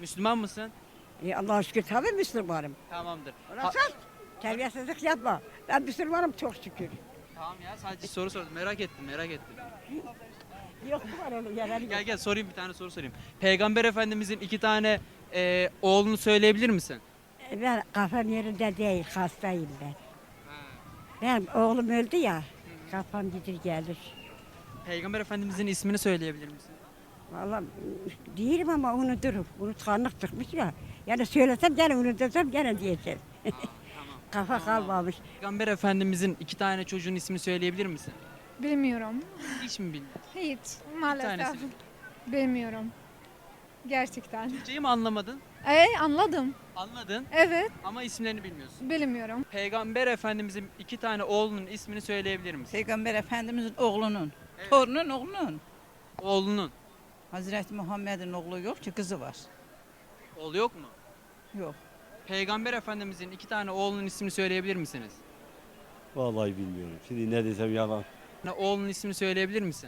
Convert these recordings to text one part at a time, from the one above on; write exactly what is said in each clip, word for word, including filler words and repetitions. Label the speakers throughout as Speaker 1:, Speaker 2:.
Speaker 1: Müslüman mısın?
Speaker 2: E, Allah'a şükür tabii Müslümanım.
Speaker 1: Tamamdır. Ha-
Speaker 2: Orası terbiyesizlik yapma. Ben Müslümanım çok şükür.
Speaker 1: tamam ya sadece soru sordum. Merak ettim merak ettim.
Speaker 2: Yok mu var öyle yerler yok.
Speaker 1: Gel gel sorayım bir tane soru sorayım. Peygamber Efendimizin iki tane e, oğlunu söyleyebilir misin?
Speaker 2: E, Ben kafam yerinde değil, hastayım ben. Benim oğlum öldü ya, kafam gidir gelir.
Speaker 1: Peygamber Efendimizin ismini söyleyebilir misin?
Speaker 2: Vallahi değilim ama unuturum. Unutkanlık çıkmış ya. Yani söylesem gene unutursam gene diyeceğim. Kafa kalmamış.
Speaker 1: Peygamber Efendimizin iki tane çocuğun ismini söyleyebilir misin?
Speaker 3: Bilmiyorum.
Speaker 1: Hiç mi bilmiyorsun?
Speaker 3: Hiç. Maalesef.
Speaker 1: tanesi.
Speaker 3: Bilmiyorum. Gerçekten.
Speaker 1: Türkçeyi mi anlamadın?
Speaker 3: E anladım.
Speaker 1: Anladın
Speaker 3: Evet.
Speaker 1: ama isimlerini bilmiyorsun.
Speaker 3: Bilmiyorum.
Speaker 1: Peygamber Efendimizin iki tane oğlunun ismini söyleyebilir misin?
Speaker 4: Peygamber Efendimizin oğlunun,
Speaker 1: Evet.
Speaker 4: torunun oğlunun.
Speaker 1: Oğlunun.
Speaker 4: Hazreti Muhammed'in oğlu yok ki kızı var.
Speaker 1: Oğlu yok mu?
Speaker 4: Yok.
Speaker 1: Peygamber Efendimizin iki tane oğlunun ismini söyleyebilir misiniz?
Speaker 5: Vallahi bilmiyorum. Şimdi ne desem yalan.
Speaker 1: Ne oğlunun ismini söyleyebilir misin?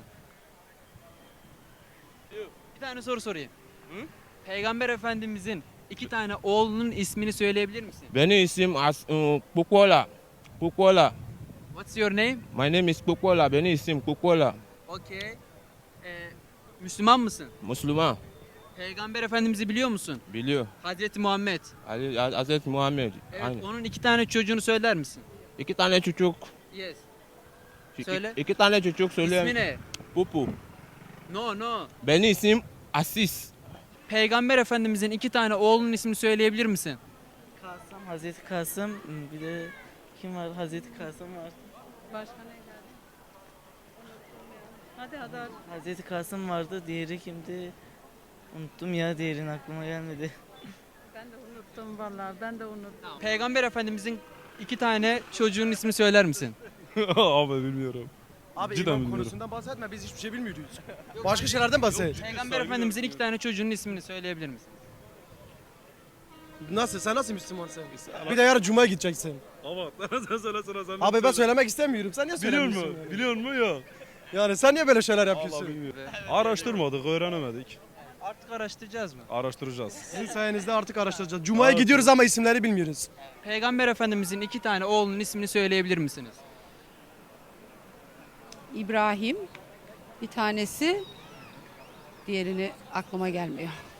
Speaker 1: Bir tane soru sorayım. Peygamber Efendimizin iki tane oğlunun ismini söyleyebilir misin?
Speaker 6: Benim isim As uh, Kukola. Kukola.
Speaker 1: What's your name?
Speaker 6: My name is Kukola. Benim isim Kukola.
Speaker 1: Okay. Ee, Müslüman mısın?
Speaker 6: Müslüman.
Speaker 1: Peygamber Efendimiz'i biliyor musun?
Speaker 6: Biliyor.
Speaker 1: Hazreti Muhammed.
Speaker 6: Ali, Hazreti Muhammed.
Speaker 1: Evet,
Speaker 6: Aynen.
Speaker 1: onun iki tane çocuğunu söyler misin?
Speaker 6: İki tane çocuk.
Speaker 1: Yes.
Speaker 6: İki,
Speaker 1: Söyle.
Speaker 6: iki tane çocuk söyle.
Speaker 1: İsmi ne?
Speaker 6: Pupu.
Speaker 1: No, no.
Speaker 6: Benim isim Asis.
Speaker 1: Peygamber Efendimizin iki tane oğlunun ismini söyleyebilir misin?
Speaker 7: Kasım, Hazreti Kasım, bir de kim var? Hazreti Kasım var.
Speaker 1: Başka ne geldi? Hadi hadi hadi.
Speaker 7: Hazreti Kasım vardı, diğeri kimdi? Unuttum ya, diğerini aklıma gelmedi.
Speaker 8: Ben de unuttum vallahi. Ben de unuttum.
Speaker 1: Peygamber Efendimizin iki tane çocuğunun ismini söyler misin?
Speaker 9: Abi bilmiyorum.
Speaker 10: Abi
Speaker 9: Cidden
Speaker 10: imam
Speaker 9: bilmiyorum.
Speaker 10: konusundan bahsetme, biz hiçbir şey bilmiyoruz. Başka şeylerden bahset.
Speaker 1: Peygamber Efendimizin iki tane çocuğunun ismini söyleyebilir misin?
Speaker 10: Nasıl, sen nasıl Müslümansın? Bir de yarın Cuma'ya gideceksin.
Speaker 9: Ama sen söyle söyle sen.
Speaker 10: Abi ben söylemek istemiyorum, sen niye
Speaker 9: Biliyor
Speaker 10: söylemiyorsun?
Speaker 9: musun?
Speaker 10: yani?
Speaker 9: Biliyor musun? Yok.
Speaker 10: Yani sen niye böyle şeyler
Speaker 9: Vallahi
Speaker 10: yapıyorsun?
Speaker 9: bilmiyorum. Araştırmadık, öğrenemedik.
Speaker 1: Artık araştıracağız mı?
Speaker 9: Araştıracağız.
Speaker 10: Sizin sayenizde artık araştıracağız. Cuma'ya gidiyoruz ama isimleri bilmiyoruz.
Speaker 1: Peygamber Efendimizin iki tane oğlunun ismini söyleyebilir misiniz?
Speaker 8: İbrahim bir tanesi, diğerini aklıma gelmiyor.